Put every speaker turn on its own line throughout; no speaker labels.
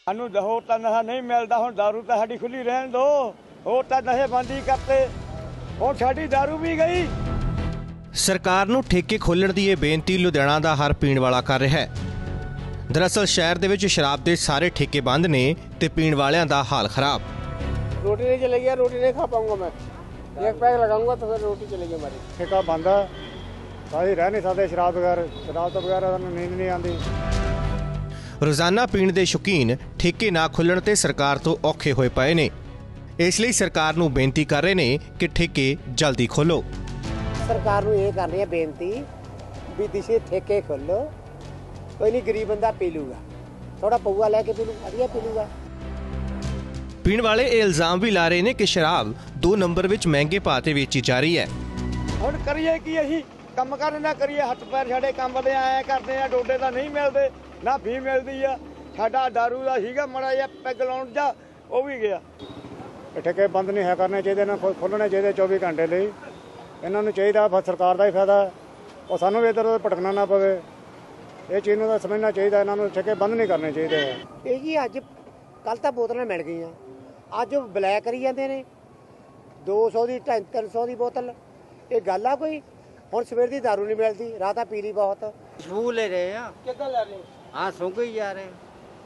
ਸਾਨੂੰ ਹੋਰ ਤਾਂ ਨਸ਼ਾ ਨਹੀਂ ਮਿਲਦਾ। ਹੁਣ ਦਾਰੂ ਤਾਂ ਸਾਡੀ ਖੁੱਲੀ ਰਹਿਣ ਦੋ। ਹੋਰ ਤਾਂ ਨਸ਼ੇਬੰਦੀ ਕਰਤੇ, ਹੁਣ ਸਾਡੀ ਦਾਰੂ ਵੀ ਗਈ।
ਸਰਕਾਰ ਨੂੰ ਠੇਕੇ ਖੋਲ੍ਹਣ ਦੀ ਇਹ ਬੇਨਤੀ ਲੁਧਿਆਣਾ ਦਾ ਹਰ ਪੀਣ ਵਾਲਾ ਕਰ ਰਿਹਾ ਹੈ। ਦਰਅਸਲ ਸ਼ਹਿਰ ਦੇ ਵਿੱਚ ਸ਼ਰਾਬ ਦੇ ਸਾਰੇ ਠੇਕੇ ਬੰਦ ਨੇ ਤੇ ਪੀਣ ਵਾਲਿਆਂ ਦਾ ਹਾਲ ਖਰਾਬ।
रोटी नहीं चलेगी, रोटी नहीं खा पाऊंगा मैं। एक पैक लगाऊंगा तो फिर रोटी चलेगी हमारी।
ठेका बंद है, सारी रह नहीं सकते शराब बगैर। शराब तो बगैर नींद नहीं आती।
ਰੋਜ਼ਾਨਾ ਪੀਣ ਦੇ ਸ਼ੌਕੀਨ ਠੇਕੇ ਨਾ ਖੁੱਲ੍ਹਣ ਤੇ ਸਰਕਾਰ ਤੋਂ ਔਖੇ ਹੋਏ ਪਏ ਨੇ। ਇਸ ਲਈ ਸਰਕਾਰ ਨੂੰ ਬੇਨਤੀ ਕਰ ਰਹੇ ਨੇ ਕਿ ਠੇਕੇ ਜਲਦੀ ਖੋਲ੍ਹੋ।
सरकार ਨੂੰ ਇਹ ਕਰ ਰਹੀ ਹੈ ਬੇਨਤੀ ਵੀ ਦਿਸ਼ੇ ਠੇਕੇ ਖੋਲ੍ਹੋ। ਕੋਈ ਨਹੀਂ ਗਰੀਬ ਬੰਦਾ ਪੀ ਲੂਗਾ, ਥੋੜਾ ਪਊਆ ਲੈ ਕੇ ਪੀ ਲੂ, ਵਧੀਆ ਪੀ ਲੂਗਾ।
ਪੀਣ ਵਾਲੇ ਇਹ ਇਲਜ਼ਾਮ ਵੀ ਲਾ ਰਹੇ ਨੇ ਕਿ ਸ਼ਰਾਬ 2 ਨੰਬਰ ਵਿੱਚ ਮਹਿੰਗੇ ਭਾਅ ਤੇ ਵੇਚੀ ਜਾ ਰਹੀ ਹੈ।
ਹੁਣ ਕਰੀਏ ਕੀ ਅਸੀਂ? ਕੰਮ ਕਰਨ ਨਾ ਕਰੀਏ, ਹੱਥ ਪੈਰ ਸਾਡੇ ਕੰਮ ਦੇ ਆਇਆ ਕਰਦੇ ਆ। ਡੋਡੇ ਤਾਂ ਨਹੀਂ ਮਿਲਦੇ, ਨਾ ਫੀ ਮਿਲਦੀ ਆ। ਸਾਡਾ ਦਾਰੂ ਦਾ ਸੀਗਾ ਮਾੜਾ ਜਿਹਾ ਪੈਗ ਲਾਉਣ ਜਾ, ਉਹ ਵੀ ਗਿਆ। ਠੇਕੇ ਬੰਦ ਨਹੀਂ ਹੈ ਕਰਨੇ ਚਾਹੀਦੇ, ਨਾ ਖੋਲ੍ਹਣੇ ਚਾਹੀਦੇ 24 ਘੰਟੇ ਲਈ। ਇਹਨਾਂ ਨੂੰ ਚਾਹੀਦਾ, ਸਰਕਾਰ ਦਾ ਹੀ ਫਾਇਦਾ, ਉਹ ਸਾਨੂੰ ਵੀ ਇੱਧਰ ਉੱਧਰ ਭਟਕਣਾ ਨਾ ਪਵੇ। ਇਹ ਚੀਜ਼ ਨੂੰ ਤਾਂ ਸਮਝਣਾ ਚਾਹੀਦਾ। ਇਹਨਾਂ ਨੂੰ ਠੇਕੇ ਬੰਦ ਨਹੀਂ ਕਰਨੇ ਚਾਹੀਦੇ।
ਇਹ ਜੀ ਅੱਜ ਕੱਲ੍ਹ ਤਾਂ ਬੋਤਲਾਂ ਮਿਲ ਗਈਆਂ, ਅੱਜ ਉਹ ਬਲੈਕ ਕਰੀ ਜਾਂਦੇ ਨੇ। 200 ਦੀ 300 ਦੀ ਬੋਤਲ, ਇਹ ਗੱਲ ਆ ਕੋਈ? ਹੁਣ ਸਵੇਰ ਦੀ ਦਾਰੂ ਨਹੀਂ ਮਿਲਦੀ, ਰਾਤ ਆ ਪੀ ਲਈ ਬਹੁਤ।
ਖੁਸ਼ਬੂ ਲੈ ਰਹੇ ਆ।
ਕਿੱਦਾਂ ਲੈ ਰਹੇ?
हाँ सूंघ ही जा रहे हैं।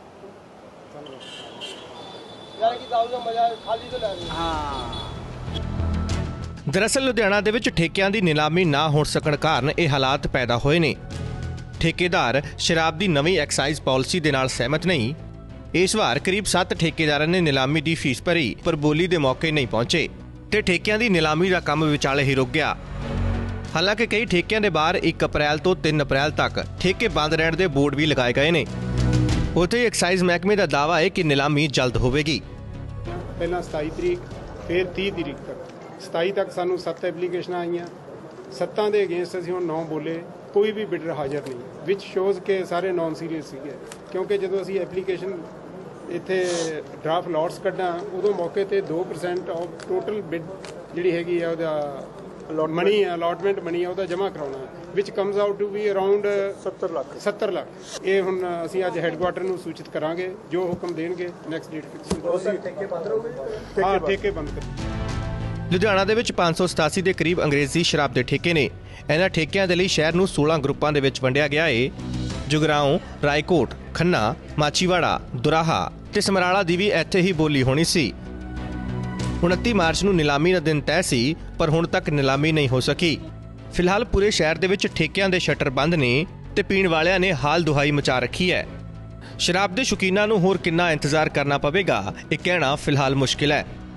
ਯਾਰ ਕੀ ਦਾਰੂ ਦਾ ਮਜ਼ਾ ਖਾਲੀ ਤੋਂ ਲੈ ਰਹੇ।
हाँ
ਦਰਅਸਲ ਲੁਧਿਆਣਾ ਦੇ ਵਿੱਚ ਠੇਕਿਆਂ ਦੀ ਨਿਲਾਮੀ ਨਾ ਹੋ ਸਕਣ ਕਾਰਨ ਇਹ ਹਾਲਾਤ ਪੈਦਾ ਹੋਏ ਨੇ। ਠੇਕੇਦਾਰ ਸ਼ਰਾਬ ਦੀ ਨਵੀਂ ਐਕਸਾਈਜ਼ ਪਾਲਿਸੀ ਦੇ ਨਾਲ ਸਹਿਮਤ ਨਹੀਂ। ਇਸ ਵਾਰ ਕਰੀਬ 7 ਠੇਕੇਦਾਰਾਂ ਨੇ ਨਿਲਾਮੀ ਦੀ ਫੀਸ ਭਰੀ, ਪਰ ਬੋਲੀ ਦੇ ਮੌਕੇ ਨਹੀਂ ਪਹੁੰਚੇ ਤੇ ਠੇਕਿਆਂ ਦੀ ਨਿਲਾਮੀ ਦਾ ਕੰਮ ਵਿਚਾਲੇ ਹੀ ਰੁਕ ਗਿਆ। ਹਾਲਾਂਕਿ ਕਈ ਠੇਕਿਆਂ ਦੇ ਬਾਹਰ 1 ਅਪ੍ਰੈਲ ਤੋਂ 3 ਅਪ੍ਰੈਲ ਤੱਕ ਠੇਕੇ ਬੰਦ ਰਹਿਣ ਦੇ ਬੋਰਡ ਵੀ ਲਗਾਏ ਗਏ ਨੇ। ਉੱਥੇ ਐਕਸਾਈਜ਼ ਮਹਿਕਮੇ ਦਾ ਦਾਅਵਾ ਹੈ ਕਿ ਨਿਲਾਮੀ ਜਲਦ ਹੋਵੇਗੀ।
ਪਹਿਲਾਂ 27 ਤਰੀਕ, ਫਿਰ 30 ਤਰੀਕ ਤੱਕ। 27 ਤੱਕ ਸਾਨੂੰ 7 ਐਪਲੀਕੇਸ਼ਨਾਂ ਆਈਆਂ। 7 ਦੇ ਅਗੇਂਸਟ ਅਸੀਂ ਹੁਣ 9 ਬੋਲੇ, ਕੋਈ ਵੀ ਬਿਡਰ ਹਾਜ਼ਰ ਨਹੀਂ, ਵਿਚ ਸ਼ੋਜ਼ ਕਿ ਸਾਰੇ ਨਾਨ ਸੀਰੀਅਸ ਸੀਗੇ। ਕਿਉਂਕਿ ਜਦੋਂ ਅਸੀਂ ਐਪਲੀਕੇਸ਼ਨ ਇੱਥੇ ਡਰਾਫਟ ਲੋਟਸ ਕੱਢਾਂ, ਉਦੋਂ ਮੌਕੇ ਤੇ 2% ਆਫ ਟੋਟਲ ਬਿਡ ਜਿਹੜੀ ਹੈਗੀ ਆ ਉਹਦਾ ਮਨੀ ਅਲਾਟਮੈਂਟ ਮਨੀ ਆ ਉਹਦਾ ਜਮ੍ਹਾਂ ਕਰਾਉਣਾ, ਵਿਚ comes out to be around 70 lakh. ਇਹ ਹੁਣ ਅਸੀਂ ਅੱਜ ਹੈੱਡਕੁਆਟਰ ਨੂੰ ਸੂਚਿਤ ਕਰਾਂਗੇ, ਜੋ ਹੁਕਮ ਦੇਣਗੇ ਨੈਕਸਟ ਡੇਟ ਫਿਕਸ। ਠੇਕੇ ਬੰਦ ਰਹੋਗੇ? ਹਾਂ, ਠੇਕੇ ਬੰਦ ਕਰ।
ਲੁਧਿਆਣਾ ਦੇ ਵਿੱਚ 587 ਦੇ ਕਰੀਬ ਅੰਗਰੇਜ਼ੀ ਸ਼ਰਾਬ ਦੇ ਠੇਕੇ ਨੇ। ਇਹਨਾਂ ਠੇਕਿਆਂ ਦੇ ਲਈ ਸ਼ਹਿਰ ਨੂੰ 16 ਗਰੁੱਪਾਂ ਦੇ ਵਿੱਚ ਵੰਡਿਆ ਗਿਆ ਏ। ਜੁਗਰਾਉਂ, ਰਾਏਕੋਟ, ਖੰਨਾ, ਮਾਚੀਵਾੜਾ, ਦੁਰਾਹਾ ਤੇ ਸਮਰਾਲਾ ਦੀ ਵੀ ਇੱਥੇ ਹੀ ਬੋਲੀ ਹੋਣੀ ਸੀ। 29 ਮਾਰਚ ਨੂੰ ਨਿਲਾਮੀ ਦਾ ਦਿਨ ਤੈਅ ਸੀ, ਪਰ ਹੁਣ ਤੱਕ ਨਿਲਾਮੀ ਨਹੀਂ ਹੋ ਸਕੀ। ਫਿਲਹਾਲ ਪੂਰੇ ਸ਼ਹਿਰ ਦੇ ਵਿੱਚ ਠੇਕਿਆਂ ਦੇ ਸ਼ਟਰ ਬੰਦ ਨੇ ਤੇ ਪੀਣ ਵਾਲਿਆਂ ਨੇ ਹਾਲ ਦੁਹਾਈ ਮਚਾ ਰੱਖੀ ਹੈ। ਸ਼ਰਾਬ ਦੇ ਸ਼ੌਕੀਨਾਂ ਨੂੰ ਹੋਰ ਕਿੰਨਾ ਇੰਤਜ਼ਾਰ ਕਰਨਾ ਪਵੇਗਾ, ਇਹ ਕਹਿਣਾ ਫਿਲਹਾਲ ਮੁਸ਼ਕਿਲ ਹੈ।